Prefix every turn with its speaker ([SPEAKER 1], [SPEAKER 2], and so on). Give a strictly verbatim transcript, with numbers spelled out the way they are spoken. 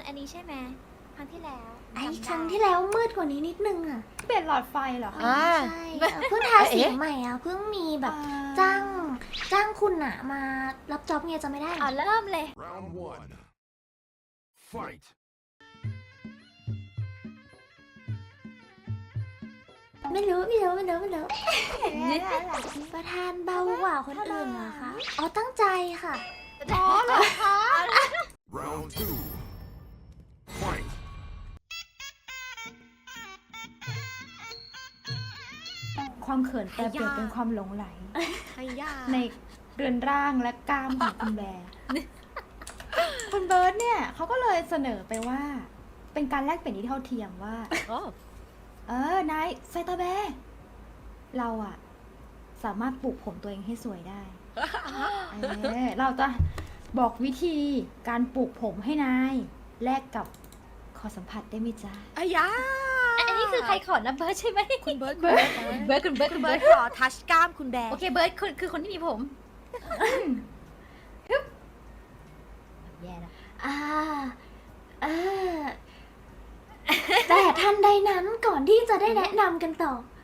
[SPEAKER 1] อันนี้ใช่ไหมครั้งที่แล้ว
[SPEAKER 2] ไอ้
[SPEAKER 1] จำด้
[SPEAKER 2] ครั้งที่แล้วมืดกว่านี้นิดนึงอ่ะ
[SPEAKER 3] เปลี่ยนหลอดไฟเหรอคะ
[SPEAKER 4] อ่า
[SPEAKER 2] ใช่เออเพิ่งทาสีใหม่อ่ะเพิ่งมีแบบจ้างจ้างคุณอะมารับจ็อบไงจะไม่ได้
[SPEAKER 1] อ๋อเริ่มเลย
[SPEAKER 5] Round one. Fight.
[SPEAKER 2] ไม่รู้ไม่รู้ไม่รู้ไม่รู้ประธานเบากว่าคนอื่นเหรอคะอ๋อตั้งใจค่ะ
[SPEAKER 3] อ๋อเหรอคะ
[SPEAKER 5] Round two. Fight.
[SPEAKER 3] ความเขินแปรเปลี่ยนเป็นความหลงไหล
[SPEAKER 1] ไอ้ยา
[SPEAKER 3] ในเรือนร่างและกล้ามของคุณแบร์ คุณเบิร์ตเนี่ยเขาก็เลยเสนอไปว่า เป็นการแลกเปลี่ยนที่เท่าเทียมว่า
[SPEAKER 4] โอ้
[SPEAKER 3] เออนายไซตาแบร์เราอะสามารถปลูกผมตัวเองให้สวยได้ เออเราจะบอกวิธีการปลูกผมให้นายแลกกับขอสัมผัสได้ไหมจ๊ะ
[SPEAKER 4] อายา
[SPEAKER 1] อันนี้คือใครขอนะเบิร์ดใช่ไหม
[SPEAKER 4] คุณเบิร์ด
[SPEAKER 1] เบิร์ดเบิร์ดคุณเบิร์ด
[SPEAKER 4] คุ
[SPEAKER 1] คุณ ณ
[SPEAKER 4] เบิ
[SPEAKER 1] เบิ
[SPEAKER 4] ร์
[SPEAKER 1] ร์
[SPEAKER 4] ด
[SPEAKER 1] ด
[SPEAKER 4] ขอทัชกล้ามคุณแบร์
[SPEAKER 1] โอเคเบิร์ดคือคือคนที่มีผม
[SPEAKER 3] แย่นะ
[SPEAKER 2] อ่าเออแต่ทันใดนั้นก่อนที่จะได้แนะนำกันต่อ